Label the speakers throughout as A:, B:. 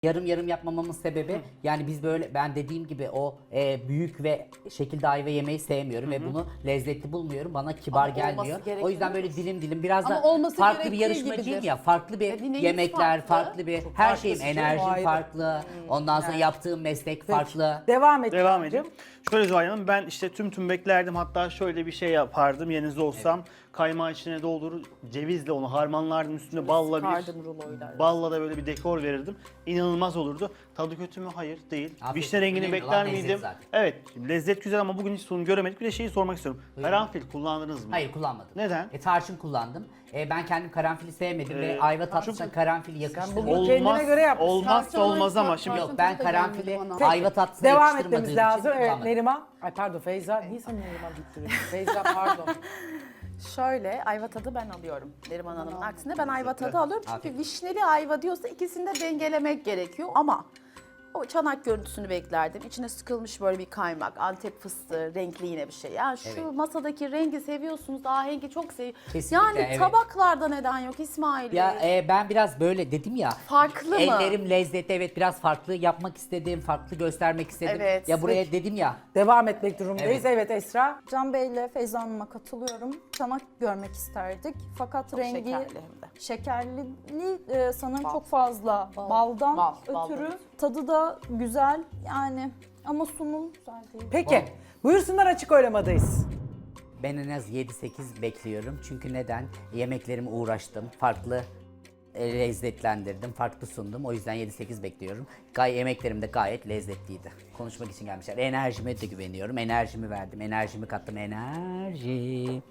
A: Yarım yarım yapmamamın sebebi yani biz böyle ben dediğim gibi o büyük ve şekilde ayva yemeyi sevmiyorum ve bunu lezzetli bulmuyorum. Bana kibar
B: Ama
A: gelmiyor.
B: olması gerekmiyor
A: O yüzden böyle dilim dilim biraz
C: Ama
A: da
C: olması
A: farklı bir
C: gerektiği
A: yarışmacıyım
C: gibidir.
A: ya. Farklı bir
B: neyiniz
A: yemekler,
B: farklı?
A: farklı bir
D: Çok
A: her
D: farklı
A: şeyim,
D: sizin, o
A: enerjim
D: ayrı.
A: farklı. Ondan sonra yaptığım meslek farklı.
D: Devam et.
E: Devam edeyim. Şöyle Zuhal Hanım, ben işte tüm beklerdim. Hatta şöyle bir şey yapardım yerinizde olsam. Kaymağı içine doldurur, cevizle onu harmanlardım, üstüne
B: Sıkardım ruloyla.
E: balla da böyle bir dekor verirdim. İnanılmaz olurdu. Tadı kötü mü? Hayır, değil.
A: Afiyet
E: Vişne
A: olsun.
E: rengini
A: Önemli
E: bekler
A: olan lezzet
E: miydim?
A: zaten.
E: Evet, lezzet güzel ama bugün hiç sunum göremedik. Bir de şeyi sormak istiyorum. Karanfil kullandınız mı?
A: Hayır kullanmadım.
E: Neden?
A: Tarçın kullandım. Ben kendim karanfili sevmedim ve ayva tatlısına karanfil yakıştırmadım.
D: bugün kendine göre yapmışsın.
E: Olmazsa olmaz ama şimdi
A: Yok ben karanfili
C: Peki,
A: ayva tatlısına
D: Devam
A: yakıştırmadığım
D: etmemiz
A: için
D: lazım. Evet
A: kullanmadım.
D: Neriman. Ay pardon Feyza. Niye sana Neriman diktiriyorsun? Feyza pardon.
B: Şöyle ayva tadı ben alıyorum Neriman Hanım'ın aksine ben ayva tadı alıyorum çünkü
A: Afiyet.
B: vişneli ayva diyorsa ikisini de dengelemek gerekiyor ama o çanak görüntüsünü beklerdim. İçine sıkılmış böyle bir kaymak, Antep fıstığı, renkli yine bir şey. Yani şu
A: Evet.
B: masadaki rengi seviyorsunuz, ahengi çok
A: Kesinlikle,
B: Yani
A: evet.
B: tabaklarda neden yok İsmail
A: Ya
B: Bey?
A: ben biraz böyle dedim ya.
B: Farklı mı?
A: Ellerim lezzetli, evet biraz farklı yapmak istedim, farklı göstermek istedim.
B: Evet.
A: Ya buraya dedim ya.
D: Devam etmek durumundayız. Evet Esra.
F: Can Bey ile Feyza Hanım'a katılıyorum. Çanak görmek isterdik. Fakat
B: Çok
F: rengi
B: şekerli hem de.
F: şekerli, sanırım
B: Bal.
F: çok fazla baldan
B: Bal,
F: ötürü.
B: evet.
F: Tadı da güzel yani ama sunum güzel değil.
D: Peki. Buyursunlar, açık oylamadayız.
A: Ben en az 7-8 bekliyorum. Çünkü neden? Yemeklerime uğraştım. Farklı lezzetlendirdim, farklı sundum. O yüzden 7-8 bekliyorum. Yemeklerim de gayet lezzetliydi. Konuşmak için gelmişler. Enerjime de güveniyorum. Enerjimi verdim, enerjimi kattım. Enerji.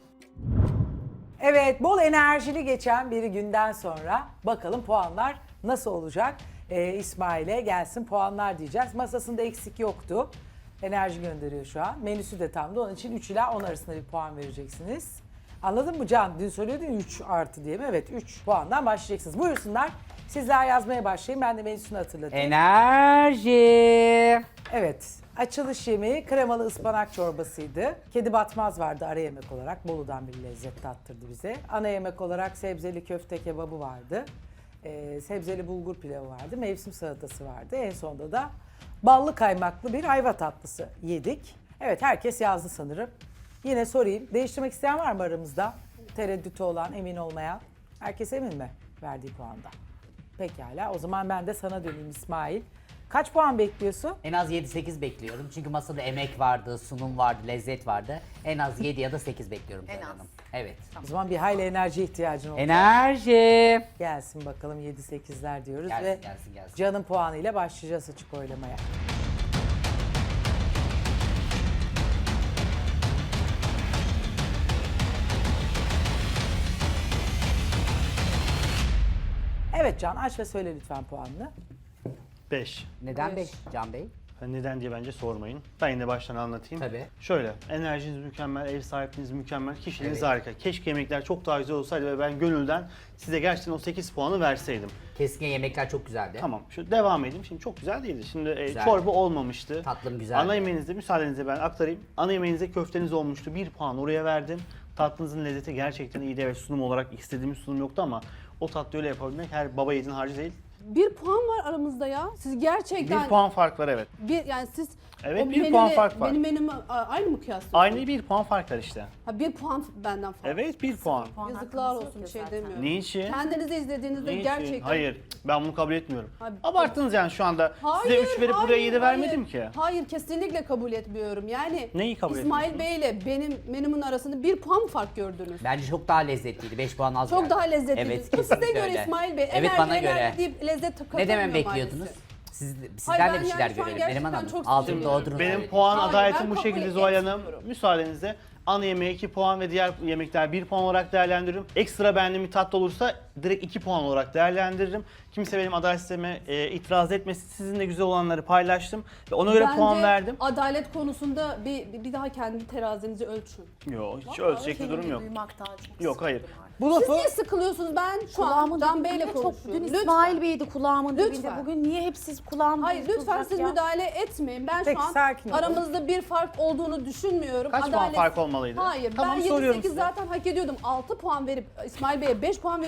D: Evet, bol enerjili geçen bir günden sonra bakalım puanlar nasıl olacak? İsmail'e gelsin puanlar diyeceğiz. Masasında eksik yoktu. Enerji gönderiyor şu an. Menüsü de tamdı. Onun için 3 ila 10 arasında bir puan vereceksiniz. Anladın mı Can? Dün söylüyordun 3 artı diye mi? Evet, 3 puandan başlayacaksınız. Buyursunlar. Sizler yazmaya başlayın. Ben de menüsünü hatırlatayım.
A: Enerji.
D: Evet, açılış yemeği kremalı ıspanak çorbasıydı. Kedi batmaz vardı ara yemek olarak. Bolu'dan bir lezzet tattırdı bize. Ana yemek olarak sebzeli köfte kebabı vardı. Sebzeli bulgur pilavı vardı. Mevsim salatası vardı. En sonunda da ballı kaymaklı bir ayva tatlısı yedik. Evet, herkes yazdı sanırım. Yine sorayım. Değiştirmek isteyen var mı aramızda? Tereddütü olan, emin olmayan. Herkes emin mi verdiği puanda? Pekala. O zaman ben de sana döneyim İsmail. Kaç puan bekliyorsun?
A: En az 7-8 bekliyorum. Çünkü masada emek vardı, sunum vardı, lezzet vardı. En az 7 ya da 8 bekliyorum.
B: En
A: Zuhal
B: az.
A: Hanım. Evet.
D: O zaman bir hayli enerji ihtiyacın olacak.
A: Enerji.
D: Gelsin bakalım 7-8'ler diyoruz
A: Gelsin,
D: ve
A: gelsin.
D: Can'ın puanıyla başlayacağız açık oylamaya. Evet Can, aç ve söyle lütfen puanını.
E: 5.
A: Neden 5 Can Bey?
E: Neden diye bence sormayın. Ben yine baştan anlatayım.
A: Tabii.
E: Şöyle, enerjiniz mükemmel, ev sahipliğiniz mükemmel, kişiliğiniz
A: Evet.
E: harika. Keşke yemekler çok daha güzel olsaydı ve ben gönülden size gerçekten o 8 puanı verseydim.
A: Keskin yemekler çok güzeldi.
E: Tamam, şu devam edeyim. Şimdi çok güzel değildi. Şimdi
A: Güzel.
E: çorba olmamıştı.
A: Tatlım güzeldi.
E: Ana yemeğinizde, müsaadenizle ben aktarayım. Ana yemeğinizde köfteniz olmuştu. 1 puan oraya verdim. Tatlınızın lezzeti gerçekten iyiydi. Evet, sunum olarak istediğimiz sunum yoktu ama o tatlıyı öyle yapabilmek her baba yiğidin harcı değil.
C: 1 puan var aramızda ya. Siz gerçekten
E: 1 puan fark var, evet.
C: yani siz
E: Evet,
C: o
E: 1 puan
C: menüyle
E: fark var.
C: Benim menümü aynı mı kıyaslıyorsunuz?
E: Aynı 1 puan fark var işte.
C: Ha 1 puan benden fazla.
E: Evet, 1 puan.
C: Yazıklar olsun, bir şey demiyorum.
E: Niçin?
C: Kendinizi izlediğinizde
E: Niçin?
C: gerçekten...
E: Hayır, ben bunu kabul etmiyorum.
C: Abi-
E: Abarttınız yani şu anda. Size
C: Hayır,
E: 3 verip buraya 7 vermedim ki.
C: Hayır, kesinlikle kabul etmiyorum. Yani
E: Neyi kabul
C: İsmail
E: etmiyorsunuz?
C: Bey ile benim menümün arasında 1 puan mı fark gördünüz?
A: Bence çok daha lezzetliydi. 5 puan az
C: Çok
A: verdim.
C: daha lezzetli.
A: Evet,
C: Bu size
A: kesinlikle
C: göre
A: öyle.
C: İsmail Bey.
A: Evet, bana göre.
C: Deyip lezzet
A: Ne
C: katamıyor
A: demem
C: maalesef.
A: bekliyordunuz? Sizden
C: Hayır,
A: de
C: ben
A: bir şeyler
C: yani şu an
A: görelim. Neriman
C: gerçekten
A: Hanım.
C: çok
A: Altını
C: sinirliyim.
A: doldurun.
E: Benim
A: öyle.
E: puan
C: Hayır,
E: adaletim
C: ben
E: bu
C: kabul
E: şekilde Zuhal Hanım.
C: etmiyorum.
E: Müsaadenizle ana yemeğe 2 puan ve diğer yemekler 1 puan olarak değerlendiririm. Ekstra beğendiğim bir tatlı olursa direkt 2 puan olarak değerlendiririm. Kimse benim adalet sisteme itiraz etmesin. Sizinle güzel olanları paylaştım ve ona göre
C: Bence
E: puan verdim.
C: adalet konusunda bir daha kendi terazinizi ölçün.
E: Yok, hiç ölçecek bir durum yok.
B: Duymaktan çok
E: Yok, hayır.
D: Bu
C: Siz
D: lafı
C: niye sıkılıyorsunuz? Ben şu an
B: Kulağımın
C: Can
B: dibinde
C: Bey'le
B: çok,
C: konuşuyorum.
B: dün
C: Lütfen.
B: İsmail Bey'di kulağımın dibinde.
C: Lütfen.
B: Bugün niye hep siz kulağımın
C: Hayır lütfen siz müdahale etmeyin. Ben
D: Peki,
C: şu an
D: sakin olun.
C: aramızda bir fark olduğunu düşünmüyorum.
E: Kaç puan fark olmalıydı?
C: Hayır,
E: Tamam,
C: ben
E: soruyorum
C: 7-8
E: size.
C: zaten hak ediyordum. 6 puan verip İsmail Bey'e 5 puan veriyorsunuz.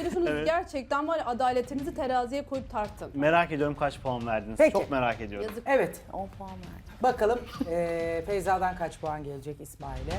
E: Evet.
C: Gerçekten var ya, adaletinizi teraziye koyup tartın.
E: Merak ediyorum kaç puan verdiniz.
D: Peki.
E: Çok merak ediyorum.
C: Yazık.
D: Evet.
B: 10 puan verdim.
D: Bakalım Feyza'dan kaç puan gelecek İsmail'e?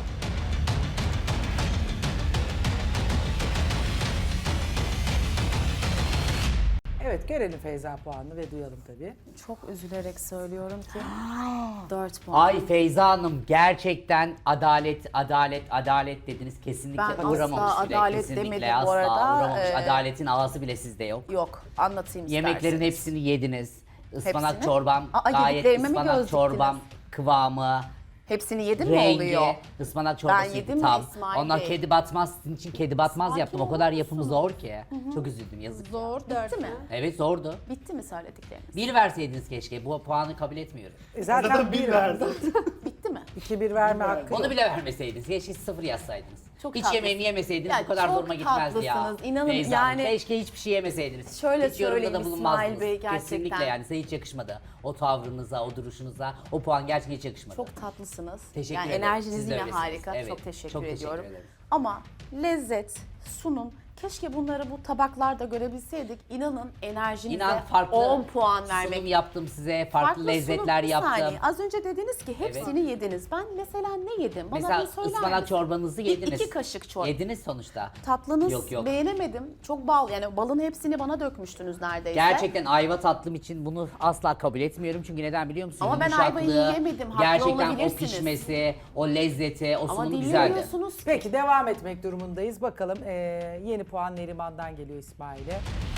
D: Evet, görelim Feyza puanını ve duyalım tabii.
B: Çok üzülerek söylüyorum ki 4 puan.
A: Ay Feyza Hanım gerçekten adalet dediniz. Kesinlikle
B: Ben
A: uğramamış
B: asla
A: bile.
B: adalet
A: Kesinlikle
B: demedim bu
A: asla
B: arada.
A: uğramamış. Adaletin ağası bile sizde yok.
B: Yok, anlatayım
A: Yemeklerin
B: isterseniz.
A: hepsini yediniz. Ispanak
B: Hepsini?
A: çorbam
B: Aa,
A: gayet
B: yediklerime mi
A: ıspanak
B: göz
A: çorbam
B: diktiniz?
A: kıvamı,
B: Hepsini yedim mi
A: rengi,
B: oluyor?
A: ıspanak çorbası
B: yedim mi
A: tam.
B: İsmail
A: Ondan
B: Bey?
A: kedi batmaz, sizin için kedi batmaz
B: Sakin
A: yaptım. O kadar yapımı zor ki. Çok üzüldüm yazık.
C: Zor
B: Bitti
C: derken.
B: mi?
A: Evet zordu.
B: Bitti mi söyledikleriniz?
A: Bir verseydiniz keşke. Bu puanı kabul etmiyorum.
D: Zaten bir verdi.
B: Bitti mi?
D: 2-1 verme hakkı
A: Onu
D: yok.
A: bile vermeseydiniz. Keşke 0 yazsaydınız.
B: Çok
A: hiç
B: tatlısınız.
A: yemeğimi yemeseydiniz
B: Ya
A: bu kadar
B: çok
A: zoruma gitmezdi ya.
B: tatlısınız. İnanın
A: Feyza Hanım,
B: yani-
A: keşke hiçbir şey yemeseydiniz.
B: Şöyle
A: hiç yorumda da
B: söyleyeyim
A: bulunmazdınız.
B: İsmail Bey, gerçekten.
A: Kesinlikle yani size hiç yakışmadı. O tavrınıza, o duruşunuza, o puan gerçekten hiç yakışmadı.
B: Çok tatlısınız.
A: Teşekkür
B: yani
A: ederim.
B: enerjiniz
A: Siz de
B: yine
A: öylesiniz.
B: harika.
A: Evet,
B: Çok teşekkür
A: çok teşekkür
B: ediyorum.
A: ederim.
B: Ama lezzet, sunum, keşke bunları bu tabaklarda görebilseydik. İnanın enerjinize
A: İnan farklı
B: 10 puan vermek.
A: sunum yaptım size, farklı lezzetler
B: sunum, bir
A: yaptım.
B: saniye. Az önce dediniz ki hepsini yediniz. Ben mesela ne yedim? Bana
A: Mesela
B: bir söyler
A: ıspanak
B: misiniz?
A: çorbanızı yediniz.
B: 2 kaşık çorba.
A: Yediniz sonuçta.
B: Tatlınız
A: Yok.
B: beğenemedim. Çok bal, yani balın hepsini bana dökmüştünüz neredeyse.
A: Gerçekten ayva tatlım için bunu asla kabul etmiyorum. Çünkü neden biliyor musun?
B: Ama ben ayvayı
A: Yumuşaklığı,
B: yiyemedim, haklı
A: gerçekten o
B: olabilirsiniz.
A: pişmesi, o lezzeti, o
B: Ama
A: sunumu güzeldi.
B: dinlemiyorsunuz ki.
D: Peki devam etmek durumundayız. Bakalım yeni puan Neriman'dan geliyor İsmail'e.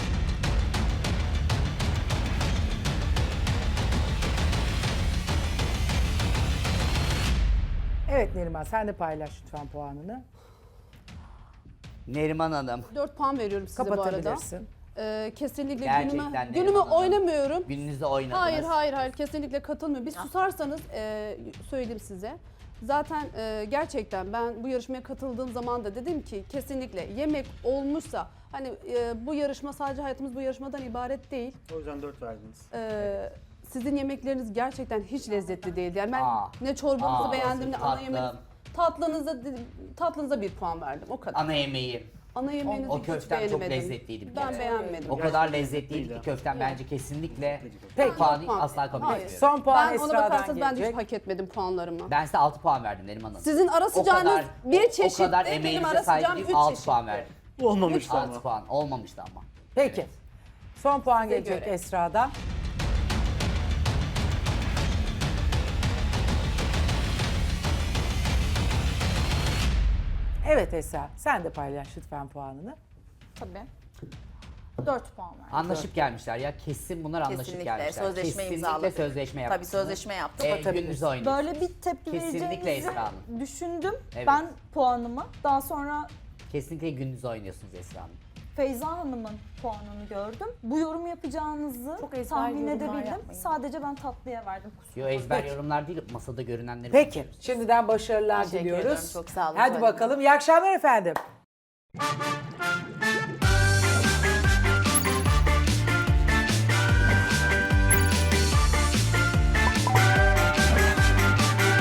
D: Evet Neriman sen de paylaş lütfen puanını.
A: Neriman Hanım.
C: 4 puan veriyorum size bu arada.
D: Kapatabilirsin.
C: Kesinlikle
A: Gerçekten
C: günüme
A: Neriman Hanım.
C: oynamıyorum.
A: Gününüzde oynadınız.
C: Hayır kesinlikle katılmıyorum. Bir susarsanız söyleyeyim size. Zaten gerçekten ben bu yarışmaya katıldığım zaman da dedim ki kesinlikle yemek olmuşsa hani bu yarışma sadece hayatımız bu yarışmadan ibaret değil.
E: O yüzden 4 verdiniz.
C: Sizin yemekleriniz gerçekten hiç lezzetli değildi. Yani ben
A: Aa.
C: ne çorbanızı
A: Aa,
C: beğendim ne ana
A: tatlım.
C: yemeğinizi. Tatlınıza 1 puan verdim o kadar.
A: Ana yemeği.
C: Ana yemeğinizi
A: O
C: hiç
A: köften çok
C: beğenemedim.
A: lezzetliydi bir
C: Ben
A: kere.
C: beğenmedim.
A: O kadar lezzetliydi ki köften bence kesinlikle
D: Peki.
A: puanı
C: Puan.
A: asla kabul
C: Hayır.
A: etmiyorum.
D: Son puan
C: Ben ona
D: Esra'dan
C: bakarsanız ben de hiç
D: gelecek.
C: hak etmedim puanlarımı.
A: Ben size 6 puan verdim Neriman Hanım.
C: Sizin ara sıcağınız bir çeşitti,
A: O kadar
C: benim
A: emeğinize
C: ara
A: saygı
C: sıcağım
A: duyup
C: 3
A: 6
C: çeşitti.
A: puan verdim.
E: Olmamıştı
A: 6
E: ama.
A: puan olmamıştı ama.
D: Peki. Son puan
C: Size
D: gelecek
C: göre.
D: Esra'dan. Evet Esra, sen de paylaş lütfen puanını.
F: Tabii. 4 puan verdim.
A: Anlaşıp gelmişler ya kesin bunlar anlaşıp
B: Kesinlikle
A: gelmişler.
B: sözleşme
A: Kesinlikle
B: imzaladık.
A: sözleşme yapmışsınız.
B: Tabii sözleşme yaptık.
A: Gününüzü oynayın.
F: Böyle bir tepki
A: Kesinlikle
F: vereceğinizi
A: Esra Hanım.
F: düşündüm.
A: Evet.
F: Ben puanımı daha sonra
A: Kesinlikle gününüzü oynuyorsunuz Esra Hanım.
F: Feyza Hanım'ın puanını gördüm. Bu yorum yapacağınızı
B: Çok ezber
F: tahmin
B: yorumlar
F: edebildim.
B: yapmayın.
F: Sadece ben tatlıya verdim.
A: Yo ezber yorumlar değil masada görünenleri
D: Peki,
A: konuşuyoruz.
D: şimdiden başarılar
B: Teşekkür
D: diliyoruz.
B: ederim, çok sağ olun.
D: Hadi
B: Zuhal
D: bakalım, iyi akşamlar efendim.